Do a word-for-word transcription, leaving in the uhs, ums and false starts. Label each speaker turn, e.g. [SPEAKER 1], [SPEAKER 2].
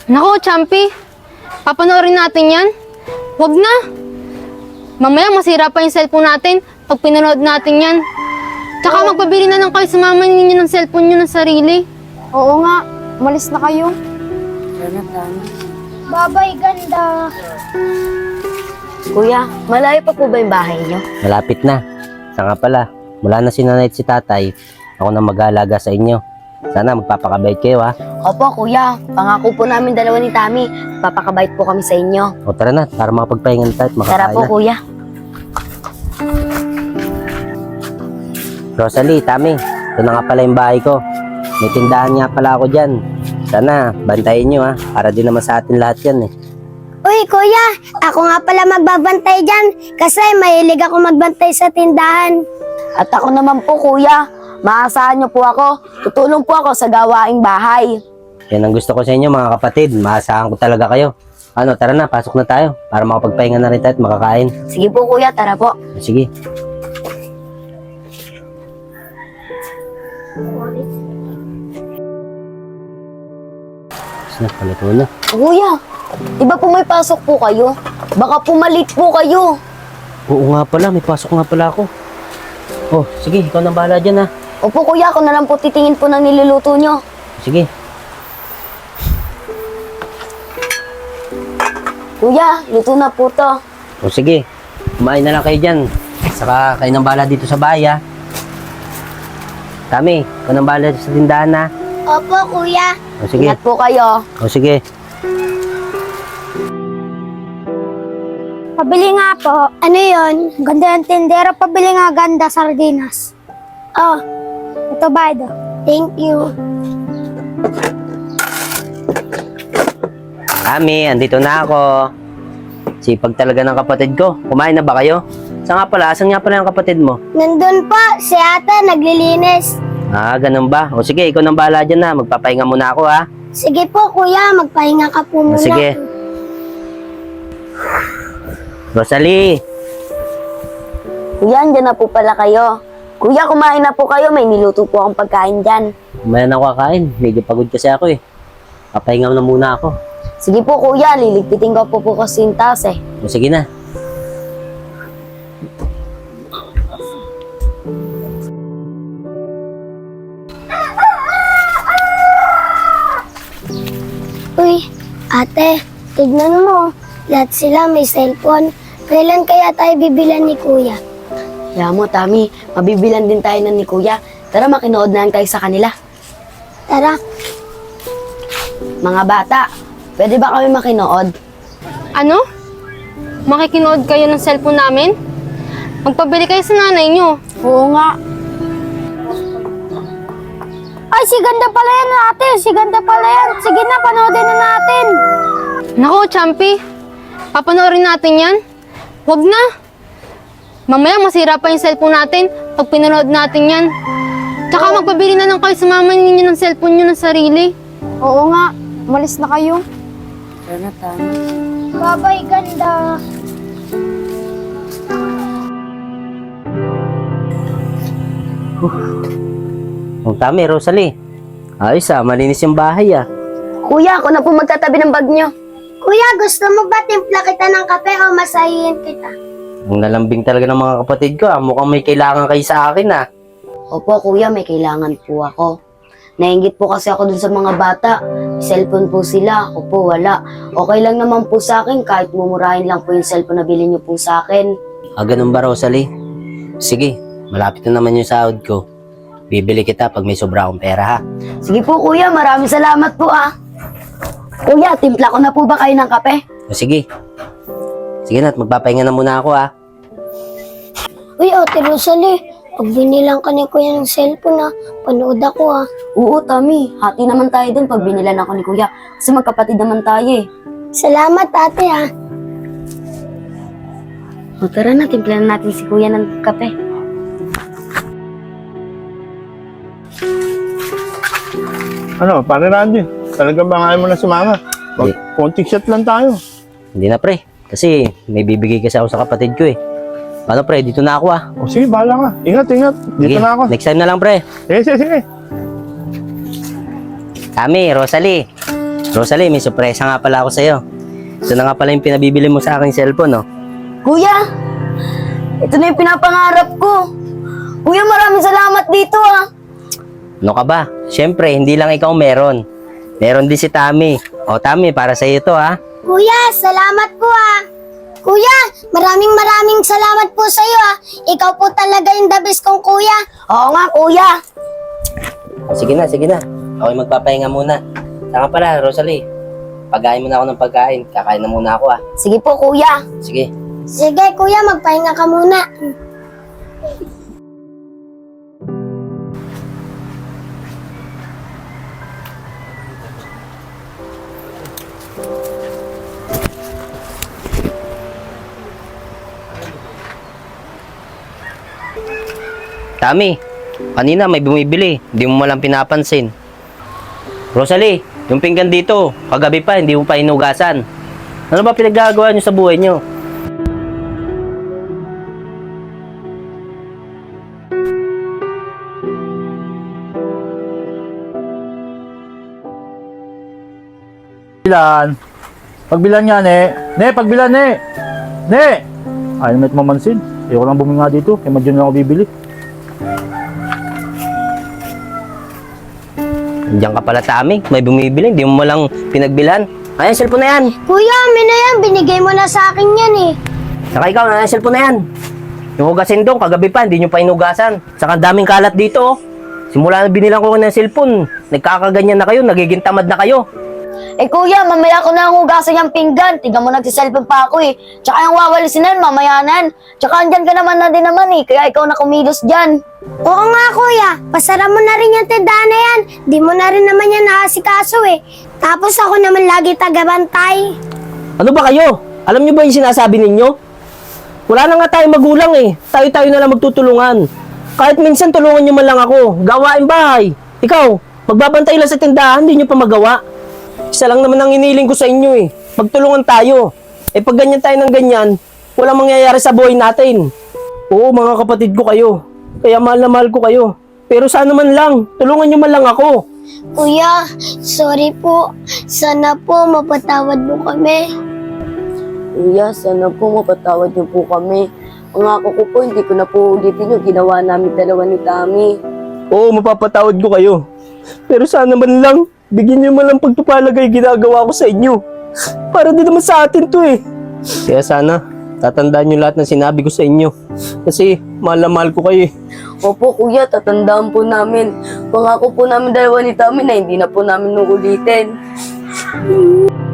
[SPEAKER 1] Nako, Champi. Papanoorin natin yan. Huwag na. Mamaya masira pa yung cellphone natin pag pinanood natin yan. Tsaka
[SPEAKER 2] Oo.
[SPEAKER 1] magpabili na lang kayo sa mama ninyo ng cellphone nyo ng sarili.
[SPEAKER 2] Oo nga, umalis na kayo. Babay, ganda.
[SPEAKER 3] Kuya, malayo pa po ba yung bahay niyo?
[SPEAKER 4] Malapit na. Sa nga pala, mula na si nanay at si tatay, ako na mag-aalaga sa inyo. Sana magpapakabait kayo ha.
[SPEAKER 3] Opo, kuya. Pangako po namin dalawa ni Tami. Papakabait po kami sa inyo.
[SPEAKER 4] O tara na, para makapagpahinga na tayo at makakain
[SPEAKER 3] Tara po,
[SPEAKER 4] na.
[SPEAKER 3] kuya.
[SPEAKER 4] Rosalie, Tami, ito na nga pala yung bahay ko. May tindahan nga pala ako dyan. Sana, bantayin nyo ha, para din naman sa atin lahat yan eh.
[SPEAKER 5] Uy, kuya, ako nga pala magbabantay dyan kasi mahilig ako magbantay sa tindahan.
[SPEAKER 3] At ako naman po, kuya. Maasahan niyo po ako. Tutulong po ako sa gawaing bahay.
[SPEAKER 4] Yan ang gusto ko sa inyo mga kapatid, maasahan ko talaga kayo. Ano, tara na, pasok na tayo, para makapagpahinga na rin tayo at makakain.
[SPEAKER 3] Sige po, kuya. Tara po.
[SPEAKER 4] Sige. Na, palit mo na.
[SPEAKER 3] Kuya, di ba po may pasok po kayo? Baka pumalit po kayo.
[SPEAKER 4] Oo nga pala, may pasok nga pala ako. Oh, sige, ikaw nang bahala dyan ha.
[SPEAKER 3] Opo, kuya. Ako na lang po titingin po ng niluluto nyo.
[SPEAKER 4] Sige.
[SPEAKER 3] Kuya, luto na po to.
[SPEAKER 4] O sige, kumain na lang kayo dyan. Saka kayo nang bahala dito sa bahay ha. Tami, ikaw nang bahala sa tindahan ha.
[SPEAKER 5] Opo, kuya.
[SPEAKER 4] O sige.
[SPEAKER 3] Ingat po kayo.
[SPEAKER 4] O sige.
[SPEAKER 5] Pabili nga po. Ano yon? Ganda yung tindera. Pabili nga ganda, sardinas. Oh, ito ba ito? Thank you.
[SPEAKER 4] Tami, andito na ako. Sipag talaga ng kapatid ko. Kumain na ba kayo? Saan nga pala? Asan nga pala yung kapatid mo?
[SPEAKER 5] Nandun po, si ate naglilinis.
[SPEAKER 4] Ah, ganun ba? O sige, ikaw nang bahala dyan na. Magpapahinga muna ako ha.
[SPEAKER 5] Sige po, kuya. Magpahinga ka po
[SPEAKER 4] O
[SPEAKER 5] muna.
[SPEAKER 4] sige. Rosalie!
[SPEAKER 3] Kuya, andyan na po pala kayo. Kuya, kumain na po kayo. May niluto po akong pagkain dyan.
[SPEAKER 4] Kumain ako kakain. Medyo pagod kasi ako eh. Papahinga na muna ako.
[SPEAKER 3] Sige po, kuya. Liligpitin ko po po kasi yung taas eh.
[SPEAKER 4] O sige na.
[SPEAKER 5] Uy, ate, tignan mo. Lahat sila may cellphone. Kailan kaya tayo bibilan ni kuya?
[SPEAKER 3] Kaya mo, Tami. Mabibilan din tayo ng ni kuya. Tara, makinood na lang tayo sa kanila.
[SPEAKER 5] Tara.
[SPEAKER 3] Mga bata, pwede ba kami makinood?
[SPEAKER 1] Ano? Makikinood kayo ng cellphone namin? Magpabili kayo sa nanay nyo.
[SPEAKER 2] Oo nga.
[SPEAKER 5] Ay, si ganda pala yan, ate. Si ganda pala yan. Sige na, panoodin na natin.
[SPEAKER 1] Nako, Champi. Papanoorin natin yan. Huwag na. Mamaya masira pa yung cellphone natin pag pinanood natin yan. Tsaka magpabili na lang kayo sa mama ninyo ng cellphone nyo ng sarili.
[SPEAKER 2] Oo nga, umalis na kayo.
[SPEAKER 3] Tara, Tami.
[SPEAKER 5] Babay, ganda.
[SPEAKER 4] O Tami, Rosalie. Ayos ah, malinis yung bahay ah.
[SPEAKER 3] Kuya, ako na po magtatabi ng bag nyo.
[SPEAKER 5] Kuya, gusto mo ba timpla kita ng kape o masahihin kita?
[SPEAKER 4] Ang nalambing talaga ng mga kapatid ko ah. Mukhang may kailangan kayo sa akin ah.
[SPEAKER 3] Opo, kuya, may kailangan po ako. Nainggit po kasi ako dun sa mga bata. May cellphone po sila, ako po wala. Okay lang naman po sa akin kahit mumurahin lang po yung cellphone na bilhin nyo po sa akin.
[SPEAKER 4] Ah, ganun ba Rosalie? Sige, malapit na naman yung sahod ko. Bibili kita pag may sobra akong pera ha.
[SPEAKER 3] Sige po, kuya, maraming salamat po ah. Kuya, timpla ko na po ba kayo ng kape?
[SPEAKER 4] O sige. Sige na, at magpapahinga na muna ako ha.
[SPEAKER 5] Uy, ate Rosalie, pag binilang ka ni kuya ng cellphone na, panood ako ah.
[SPEAKER 3] Oo, Tami. Hati naman tayo dun pag binilan ako ni kuya. Kasi magkapatid naman tayo eh.
[SPEAKER 5] Salamat ate ah.
[SPEAKER 3] O tara na, timplahan natin si kuya ng kape.
[SPEAKER 6] Ano, pare Randy, talagang ba ayaw mo na sumama? Mag- konting shot lang tayo.
[SPEAKER 4] Hindi na pre, kasi may bibigay kasi ako sa kapatid ko eh. Ano pre, dito na ako ah.
[SPEAKER 6] O sige, bahala ka. Ingat, ingat. Dito
[SPEAKER 4] Sige,
[SPEAKER 6] na ako.
[SPEAKER 4] next time na lang pre.
[SPEAKER 6] Sige, sige, sige.
[SPEAKER 4] Tami, Rosalie. Rosalie, may sorpresa nga pala ako sa'yo. Ito na nga pala yung pinabibili mo sa aking cellphone, no?
[SPEAKER 3] Kuya, ito na yung pinapangarap ko. Kuya, maraming salamat dito ah.
[SPEAKER 4] Ano ka ba? Siyempre, hindi lang ikaw meron. Meron din si Tami. O, Tami, para sa'yo ito, ha?
[SPEAKER 5] Kuya, salamat po ah. Kuya, maraming maraming salamat po sa iyo ah. Ikaw po talaga yung the best kong kuya.
[SPEAKER 3] Oo nga, kuya.
[SPEAKER 4] Sige na, sige na. Ako'y magpapahinga muna. Saka pala, Rosalie. Pagkain mo na ako ng pagkain. Kakain na muna ako, ha?
[SPEAKER 3] Sige po, kuya.
[SPEAKER 4] Sige.
[SPEAKER 5] Sige kuya, magpahinga ka muna.
[SPEAKER 4] Tami, kanina may bumibili. Hindi mo malang pinapansin. Rosalie, yung pinggan dito, kagabi pa, hindi mo pa hinugasan. Ano ba pinaggagawa niyo sa buhay niyo?
[SPEAKER 6] Pagbilan. Pagbilan nga, ne. Ne, pagbilan, ne. Ne! Ayaw naman mamansin. Ayoko lang buminga dito. Kaya madyan lang ako bibili.
[SPEAKER 4] Diyan ka pala, Tami. May bumibili, hindi mo malang pinagbilan. Ayan, cellphone na yan.
[SPEAKER 5] Kuya, amin na yan. Binigay mo na sa akin yan eh.
[SPEAKER 4] Saka ikaw, ayan, cellphone na yan. Yung hugasin doon, kagabi pa, hindi nyo pa hinugasan. Saka ang daming kalat dito, oh. Simula na binilang ko ng cellphone, nagkakaganyan na kayo, nagiging tamad na kayo.
[SPEAKER 3] Eh kuya, mamaya ko na hugasan yung pinggan. Tiga mo nagsiselfon pa ako eh. Tsaka yung wawalisin na, mamaya nan. Tsaka andyan ka naman na din naman eh. Kaya ikaw na kumilos dyan.
[SPEAKER 5] Oo nga kuya, pasara mo na rin yung tindahan na yan. Di mo na rin naman yan nakasikaso eh. Tapos ako naman lagi tagabantay.
[SPEAKER 4] Ano ba kayo? Alam nyo ba yung sinasabi ninyo? Wala na nga tayong magulang eh. Tayo-tayo na lang magtutulungan. Kahit minsan tulungan nyo man lang ako. Gawain bahay. Ikaw, magbabantay lang sa tindahan, hindi nyo pa magawa. Isa lang naman ang iniling ko sa inyo eh. Magtulungan tayo. Eh pag ganyan tayo ng ganyan, walang mangyayari sa buhay natin. Oo, mga kapatid ko kayo. Kaya mahal na mahal ko kayo. Pero sana man lang, tulungan nyo man lang ako.
[SPEAKER 5] Kuya, sorry po. Sana po mapatawad mo kami.
[SPEAKER 3] Kuya, sana po mapatawad niyo po kami. Pangako ko po, hindi ko na po ulitin yung ginawa namin dalawa ni Tami.
[SPEAKER 4] Oo, mapapatawad ko kayo. Pero sana man lang, bigyan nyo man lang pagtupalagay ginagawa ko sa inyo. Para din naman sa atin to eh. Kaya sana, tatandaan nyo lahat ng sinabi ko sa inyo. Kasi mahal na mahal ko kayo eh.
[SPEAKER 3] Opo kuya, tatandaan po namin. Pangako po namin dalawa ni Tami na hindi na po namin uulitin.